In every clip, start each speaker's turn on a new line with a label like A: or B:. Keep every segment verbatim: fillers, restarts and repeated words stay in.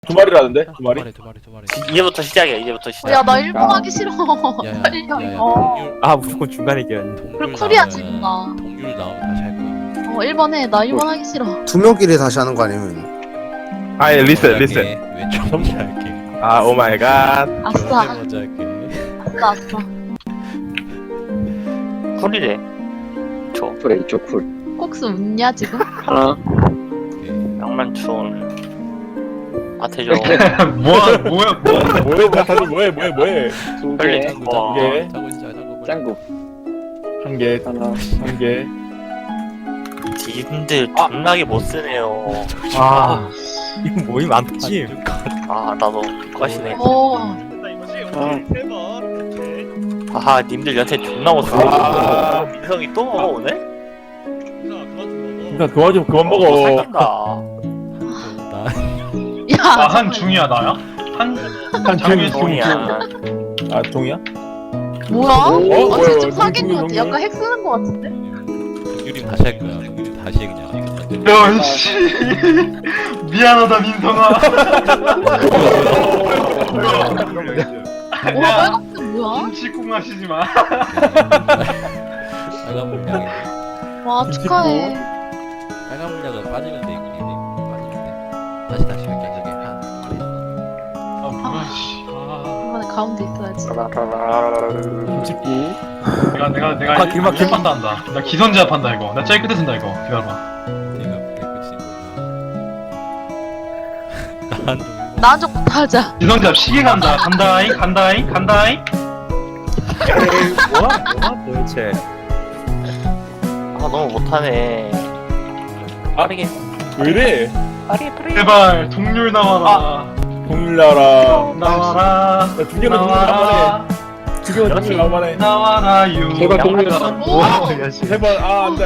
A: 두 마리라는데? 두 마리?
B: 두 마리 두 마리.
C: 이제부터 시작이야. 이제부터 시작.
D: 야 나 일 번 하기 싫어.
B: 야야
D: 빨리
B: 야야
D: 해.
B: 동률
E: 아 무조건 중간에 끼었네.
B: 동률
D: 그럼 쿨이야
B: 나오면-
D: 지금 나.
B: 동률 나오면 다시 할 거야.
D: 어 일 번 해. 나 일 번 하기 싫어.
F: 두 명끼리 다시 하는 거 아니면?
E: 아 예, 리셋 리셋.
B: 왼쪽 먼저 할게.
E: 아 오마이갓.
D: 아싸.
B: 왼쪽 먼저 할게.
D: 아싸 아싸.
C: 쿨이래. 저
G: 그래 이쪽 쿨
D: kok스 웃냐 지금?
G: 하나
C: 낭만춘 아태죠.
A: 뭐야 뭐야 뭐야 뭐해 다들 뭐해 뭐해 뭐해
C: 빨리
G: 두개
C: 와.
A: 개
B: 자고 있어 자고. 빨리.
G: 짱구
A: 한개
G: 하나
A: 한개
C: 님들 존나게 못 쓰네요.
E: 아 이거 모임 많지.
C: 아 나도 꽈시네.
D: 오.
C: 아하 님들 연태 존나 못 쓰네.
A: 아.
C: 민성이 또 먹어오네?
A: 진짜 그만 좀 그만
C: 어,
A: 먹어
C: 살간다.
B: 나
D: 야.
H: 아, 한 중이야 나야? 한
A: 한
H: 장미
A: 중
C: 동이야.
A: 아 동이야?
D: 뭐야?
A: 어,
D: 아
A: 뭐야,
D: 쟤 좀
A: 뭐야,
D: 사귄 거
A: 동률,
D: 같아.
A: 동률.
D: 약간 핵 쓰는 거 같은데?
B: 동률이 다시 할 거야. 동률이 다시 해 그냥.
H: 야씨 미안하다 민성아.
D: 와 빨간색 뭐야?
H: 눈치콩 하시지 마.
B: 빨간 물량이
D: 와 축하해.
B: 빨간 물량은 빠지면 돼. 이거 빠지면 돼. 다시 다시 할게. 저기 한 마리 있어.
H: 아 뭐야 씨. 아,
D: 이번에 가운데 있어야지.
A: 김치국
H: 내가 내가 내가
E: 아, 길막, 길막.
H: 판다 한다. 나 기선제압 한다 이거. 나 제일 끝에 쓴다 이거. 기다려봐.
B: 내가 깨끗이 몰라. 난 좀.
D: 나 한적부터 하자.
H: 기선제압 시계 간다. 간다잉 간다잉 간다잉.
E: 뭐야 뭐야 도대체.
C: 아 너무 못하네. 빠르게
A: 왜이래
C: 빠르게 빠르게.
H: 제발 동률 나와라.
A: 동률 나와라
H: 나와라.
A: 두 개만 동률 나와라 두 개만 동률 나와라
H: 나와라유.
G: 제발 동률 나와
D: 오.
A: 세번 아 안돼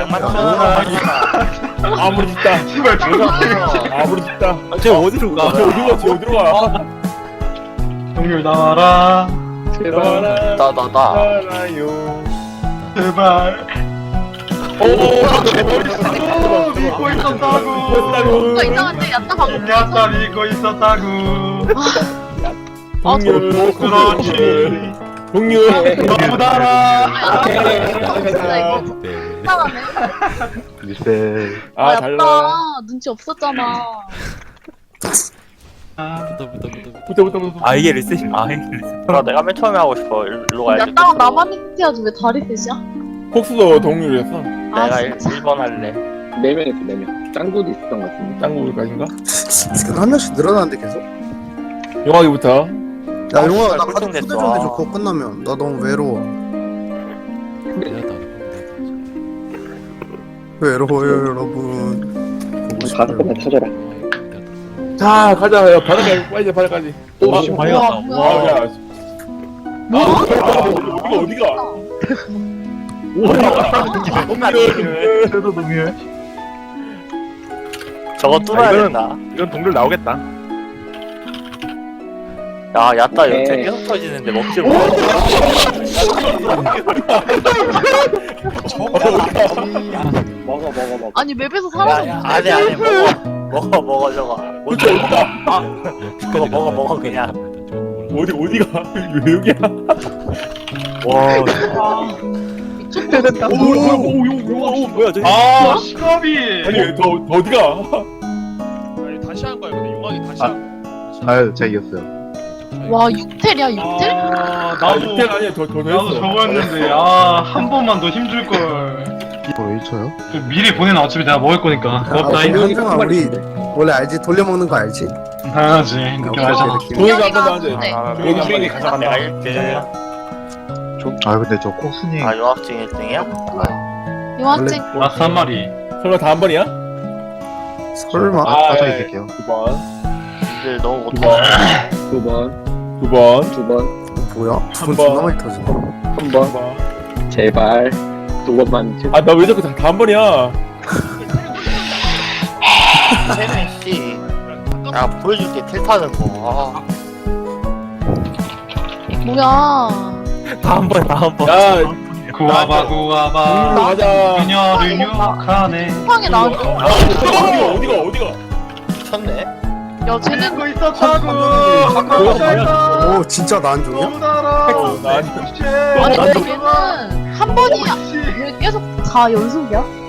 A: 아무리 짓다
H: 제발 동률.
A: 아무리 짓다
E: 쟤 어디로 가?
A: 저 어디로 가? 저 어디로 가?
H: 동률 나와라.
G: 제발
C: 나 나 나.
A: 나라요
H: 제발.
A: 오
H: 오 믿고 있었다고.
D: 뭔가 이상한데 야따 방금.
H: 야따 믿고 있었다고.
D: 아,
A: 동률
H: 그렇지.
A: 동률
H: 너무 달아.
D: 진짜 이거
B: 네.
D: 이상하네.
E: 리셋.
D: 아
A: 아
D: 야따
A: 달라
D: 눈치 없었잖아.
B: 붙어 붙어 붙어.
A: 붙어 붙어 붙어
E: 아 이게 리셋이. 아 이게 리셋.
C: 나 내가 맨 처음에 하고 싶어. 일로 가야지.
D: 야따랑 나만 힌트해야지 왜 다리 셋이야?
A: 콕스도 동률이었어
D: 아
C: 내가 일
D: 진짜.
C: 번 할래.
G: 네 명이었어 네명 짱구도 있었던 것 같은데
A: 짱구까지인가?
F: 한 명씩 늘어나는데 계속?
A: 영화기부터
F: 야
C: 아,
F: 용아
C: 씨발,
F: 나 가족
C: 꿀통됐어.
F: 초대 좀 해줘. 그거 끝나면 나 너무 외로워. 외로워요 여러분. 보고
G: 가서
F: 싶어요.
G: 끝나 터져라
A: 자 가자 야 바닥까지 빨리 바닥까지
G: 또
A: 아,
G: 씨,
D: 뭐야
A: 아
D: 뭐야.
A: 야
D: 뭐야?
A: 어디가 어디가 동률
E: 그래도 동률.
C: 저거 뚫어야
E: 아, 이거는-
C: 된다.
E: 이건 동률 나오겠다.
C: 야 야따 연태
G: 오케이.
C: 계속 터지는데 먹질 못해.
G: 먹어 먹어 먹어
D: 아니 맵에서
C: 야야
D: 사라졌는데.
C: 안해 안해 먹어 먹어 먹어 저거.
A: 그치 어디가
C: 먹어 먹어 먹어 그냥.
A: 어디 어디가 왜 여기야
E: 와.
D: 미쳤다.
A: 오 뭐야 오오오
E: 뭐야 저.
H: 아 시겁이.
A: 아니 더 더 어디가
I: 다시 한 거야. 근데 용왕이 다시 한 거야.
E: 아유 제가 이겼어요.
D: 와 육텔이야 육텔?
H: 아
A: 아
H: 나도
A: 육텔 아니야 더더
H: 나도
A: 했어
H: 저거였는데 아 한 번만 더 힘줄 걸.
E: 이거 일 초요?
H: 미리 보내놔 어차피 내가 먹을 거니까.
F: 아,
H: 고맙다.
F: 근데 현정아 우리 원래 알지? 돌려먹는 거 알지?
H: 당연하지. 느낌 알잖아.
A: 동이가 한 번도 안 돼.
D: 네.
C: 아,
A: 여기 한 번에
C: 가져간다. 내가 일 등.
E: 아 근데 저 콕스님.
C: 아 유학생 일 등이야?
D: 요한증.
H: 라스 한 마리.
A: 설마 다 한 번이야?
F: 설마.
A: 아,
E: 빠져
A: 예.
E: 있을게요.
A: 두 번,
C: 님들 너무
A: 두
C: 못하네.
A: 번,
G: 두 번
A: 두 번,
G: 두 번
F: 뭐야? 두번
A: 한 번.
F: 존나 많이 터져.
G: 한
A: 두
G: 번
A: 번.
G: 제발 두 번만 제-
A: 아, 나 왜 자꾸 다 한 번이야?
C: 세민 씨. 야 보여줄게 텔 타는 거.
D: 뭐야?
E: 다음 번 다음 번.
A: 야,
H: 구와봐 구와봐.
A: 동률로 가자.
H: 그녀를 유혹하네.
D: 쿠팡에 나왔어.
A: 아, 어디가, 어디가, 어디가?
C: 미쳤네.
D: 야 쟤는
H: 이거 있었다고.
F: 오 진짜 나 안 좋냐?
A: 난
D: 아니 쟤는 한 번이 왜 계속 다 연속이야?